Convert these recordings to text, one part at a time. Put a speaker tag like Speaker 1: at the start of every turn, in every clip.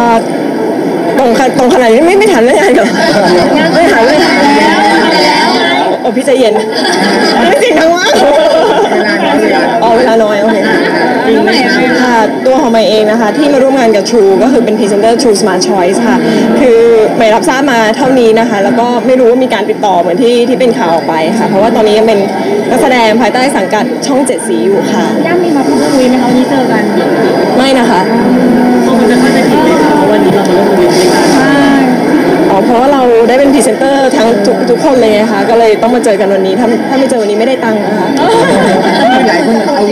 Speaker 1: ตรงขนาดนี้ไม่ทันเรื่องงานเหรอไม่ทันเลยโอ้พี่ใจเย็นไม่จริงทั้งว่าเวลาน้อยโอเคค่ะตัวของใหม่เองนะคะที่มาร่วมงานกับ True ก็คือเป็นพรีเซนเตอร์ True Smart Choice ค่ะคือใหม่รับทราบมาเท่านี้นะคะแล้วก็ไม่รู้ว่ามีการติดต่อเหมือนที่เป็นข่าวออกไปค่ะเพราะว่าตอนนี้ยังเป็นนักแสดงภายใต้สังกัดช่อง7สีอยู่ค่ะ
Speaker 2: ย่ามีมาพูดคุยไหมคะวันนี้เจอกัน
Speaker 1: ไม่นะคะ
Speaker 2: มันจะเข้าใจผิดไหมคะวันนี้เรามาร่วมงานด้วยกัน
Speaker 1: เพราะว่าเราได้เป็นพรีเซนเตอร์ทั้งทุกคนเลยนะคะก็เลยต้องมาเจอกันวันนี้ถ้าไม่เจอวันนี้ไม่ได้ตังค์นะคะ
Speaker 3: หลายคนเอา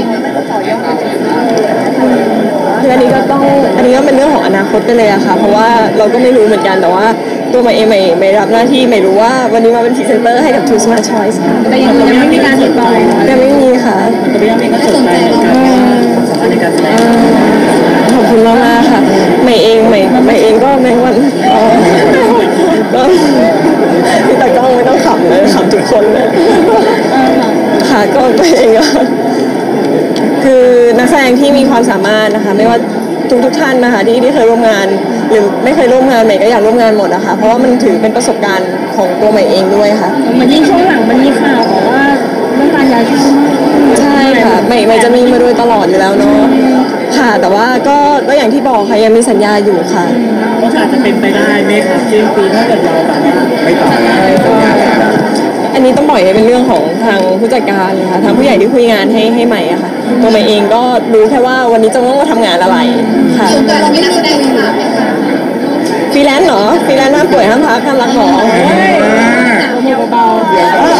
Speaker 1: คืออันนี้ก็เป็นเรื่องของอนาคตไปเลยอะค่ะเพราะว่าเราก็ไม่รู้เหมือนกันแต่ว่าตัวใหม่เองไม่รับหน้าที่ไม่รู้ว่าวันนี้มาเป็นพรีเซนเตอร์ให้กับ True Smart Choice ค่ะ
Speaker 2: แต่ยังไม่มีการติดต่อ
Speaker 1: ยังไม่มีค่ะ
Speaker 2: แต่พี่ยังก็สนใจในการแสดง
Speaker 1: ขอบคุณมากๆค่ะใหม่เองก็ในวันก็พี่ตากล้องไม่ต้องขำเลยขำทุกคนเลยค่ะก็ใหม่เองก็คือนักแสดงที่มีความสามารถนะคะไม่ว่าทุกท่านนะคะที่เคยร่วมงานหรือไม่เคยร่วมงานใหม่ก็อยากร่วมงานหมดนะคะเพราะว่ามันถือเป็นประสบการณ์ของตัวใหม่เองด้วยค่ะ
Speaker 2: มันยิ่งช่วงหลังมันมีข่าวบอกว่าเรื่องการย้ายช่อง
Speaker 1: ใช่ค่ะใหม่จะมีมาโดยตลอดอยู่แล้วเนาะค่ะแต่ว่าก็อย่างที่บอกค่ะยังมีสัญญาอยู่ค่ะ
Speaker 2: ก็อาจจะเป็นไปได้ไหมคะสิ้นปีถ้าเกิดเราแบบ
Speaker 3: ไม่ต่อ
Speaker 1: อันนี้ต้องปล่อยให้เป็นเรื่องของทางผู้จัดการเลยค่ะทางผู้ใหญ่ที่คุยงานให้ใหม่อะค่ะตัวใหม่เองก็รู้แค่ว่าวันนี้จะต้องมาทำงานอะไรค่ะ
Speaker 2: แต่เราไม่ได้แสดงค่ะ
Speaker 1: ฟรีแลนซ์เหรอฟรีแลนซ์ห้ามป่วยห้ามพักห้ามรักหมอ
Speaker 2: เบาๆ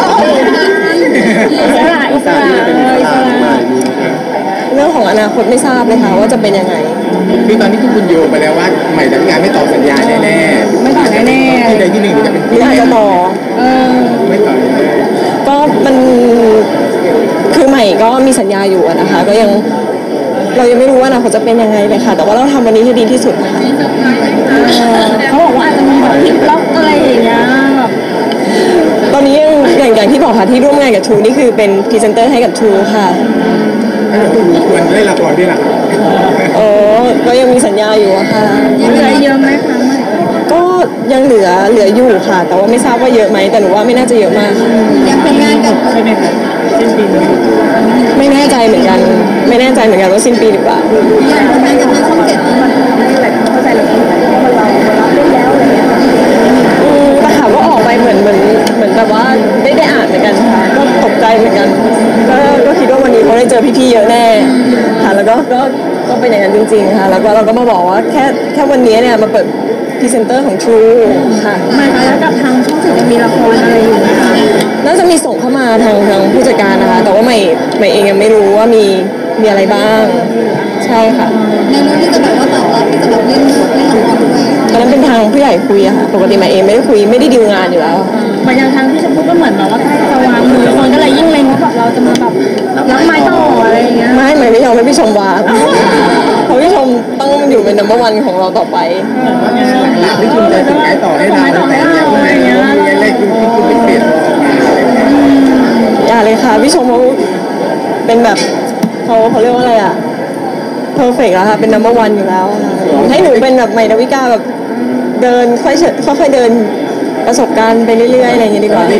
Speaker 2: อิสระ
Speaker 1: เรื่องของอนาคตไม่ทราบเลยค่ะว่าจะเป็นยังไง
Speaker 3: คือตอนนี้ทุกคนโยงไปแล้วว่าใหม่ทำงานไม่ต่อสัญญาแน่ๆ
Speaker 2: ไม่ต่อแน่
Speaker 3: ๆที่ใดที่หนึ่งจะเป็น
Speaker 1: ไม่อาจจะต่อ
Speaker 3: ไม่ต่อ
Speaker 1: ก็มันคือใหม่ก็มีสัญญาอยู่นะคะก็ยังเรายังไม่รู้ว่าอนาคตจะเป็นยังไงเลยค่ะแต่ว่าเราทำวันนี้ให้ดีที่สุดค่ะ
Speaker 2: เขาบอกว่าอาจจะมีแบบพลิกล็อกอะไรอย่างเงี้ย
Speaker 1: ตอนนี้อย่างที่บอกค่ะที่ร่วมงานกับ True นี่คือเป็นพรีเซนเตอร์ให้กับ True ค่ะ
Speaker 3: ควรได้ละครด้วยล่ะ
Speaker 1: ก็ยังมีสัญญาอยู่ค่ะ
Speaker 2: เหลือเยอะไหมคะ
Speaker 1: ก็ยังเหลืออยู่ค่ะแต่ว่าไม่ทราบว่าเยอะไหมแต่หนูว่าไม่น่าจะเยอะมากค่ะ
Speaker 2: ยังเป็นงานกับใช่ไหมคะสิ้นปี
Speaker 1: ไม่แน่ใจเหมือนกันว่าสิ้นปีหรือเปล่า
Speaker 2: อย่างทำงานกับทางช่อง7มันเข้าใจเราเรารับได้แล้วอะไรเงี้ย
Speaker 1: แต่ข่าวก็ออกไปเหมือนแบบว่าได้อ่านเหมือนกันค่ะก็ตกใจเหมือนกันก็คิดว่าวันนี้เขาได้เจอพี่ๆเยอะแน่ค่ะแล้วก็เป็นอย่างนั้นจริงๆค่ะแล้วก็เราก็มาบอกว่าแค่วันนี้เนี่ยมาเปิดพรีเซนเตอร์ของ True ค่ะ
Speaker 2: มาแล้วกับทางช่อง7จะมีละครอะไรอยู่ไหมคะ
Speaker 1: น่าจะมีส่งเข้ามาทางผู้จัดการนะคะแต่ว่าใหม่เองยังไม่รู้ว่ามีอะไรบ้างใช่ค่ะ
Speaker 2: ในนู้นที่จะแบบว่าตอบรับที่จะแบบเล่นละครด้วย
Speaker 1: ตอนนั้นเป็นทางผู้ใหญ่คุยอะค่ะปกติใหม่เองไม่ได้คุยไม่ได้ดีลงานอยู่แล้ว
Speaker 2: มันยังทางที่ชมพู่ก็เหมือนแบบว่าใกล้จะวางมือคนก็เลยยิ่งเล็งว่าแบบเราจะมาแบบรับไม้ต่ออะไรอย่างเงี้ย
Speaker 1: ไม่ยอมให้พี่ชมวางเพราะพี่ชมต้องอยู่เป็น number 1ของเราต่อไป
Speaker 3: พี่ชมจะส่งไม้ต่อให้เราแต่อย่างเงี้ยแรกคุณไม่เปลี่ยน
Speaker 1: อย่าเลยค่ะพี่ชมเขาเป็นแบบเขาเรียกว่าอะไรอะperfect แล้วค่ะเป็น number 1อยู่แล้วให้หนูเป็นแบบใหม่ดาวิกาแบบเดินค่อยเดินประสบการณ์ไปเรื่อยๆอะไรอย่างเงี้ยดีกว่า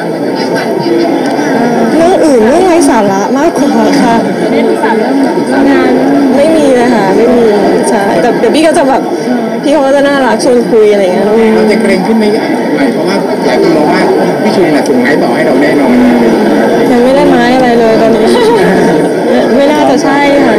Speaker 1: เรื่องอื่นเรื่องไร้สาระมากกว่าค่ะ
Speaker 2: ได้ปรึกษาเรื่องงาน
Speaker 1: ไม่มีเลยค่ะไม่มีใช่แต่เดี๋ยวพี่ก็จะแบบพี่เขาก็จะน่ารักชวนคุยอะไรอย่างเงี้ย
Speaker 3: เราจะเกรงขึ้นไหมเพราะว่าหลายคนมองว่าพี่ชุนส่งไม้ต่อให้เราแน่นอน
Speaker 1: ยังไม่ได้ไม้อะไรเลยตอนนี้ไม่น่าจะใช่ค่ะ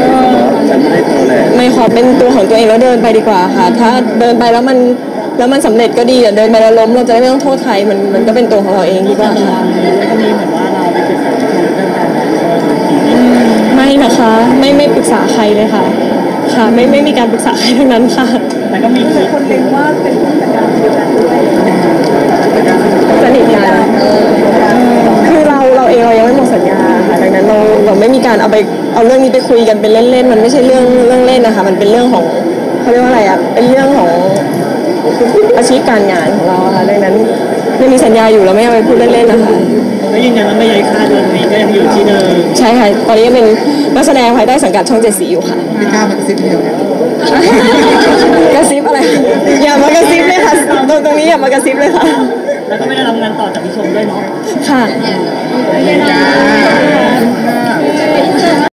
Speaker 1: ไม่ขอเป็นตัวของตัวเองแล้วเดินไปดีกว่าค่ะถ้าเดินไปแล้วมันสำเร็จก็ดีเดินไปแล้วล้มเราจะได้ไม่ต้องโทษใครมันก็เป็นตัวของเราเองดีกว่าค่ะ
Speaker 2: ก็มีเหมือนว่าเราไปปรึกษาเรื่องการ
Speaker 1: ไม่นะคะไม่ปรึกษาใครเลยค่ะค่ะไม่มีการปรึกษาใครทั้งนั้นค่ะ
Speaker 2: แต่ก็มีคนเล็งว่าเป็นผู้จัดการเดียวกันด้วย
Speaker 1: สนิทกันคือเราเองเรายังไม่หมดสัญญาค่ะดังนั้นเราไม่มีการเอาเรื่องนี้ไปคุยกันเป็นเล่นๆมันไม่ใช่เรื่องเล่นนะคะมันเป็นเรื่องของเขาเรียกว่าอะไรอ่ะเป็นเรื่องของอาชีพการงานของเราค่ะดังนั้นไม่มีสัญญาอยู่เราไม่เอาไปพูดเล่นๆนะคะ
Speaker 2: แล้วยืนยันว่าไม่ย้ายค่าเดือนนี้ก็ยังอยู่ที่เดิม
Speaker 1: ใช่ค่ะตอนนี้ยังเป็นนักแสดงภายใต้สังกัดช่อง7สีอยู่ค่ะ
Speaker 3: พี่ก้าวมันซิปเดียว
Speaker 1: กระซิบอะไรอย่ามากระซิบเลยค่ะตรงนี้อย่ามากระซิบเลยค่ะ
Speaker 4: แล้วก็ไม่ได้รับงานต่อจากพี่ชมด้วยเนาะ
Speaker 1: ค่ะ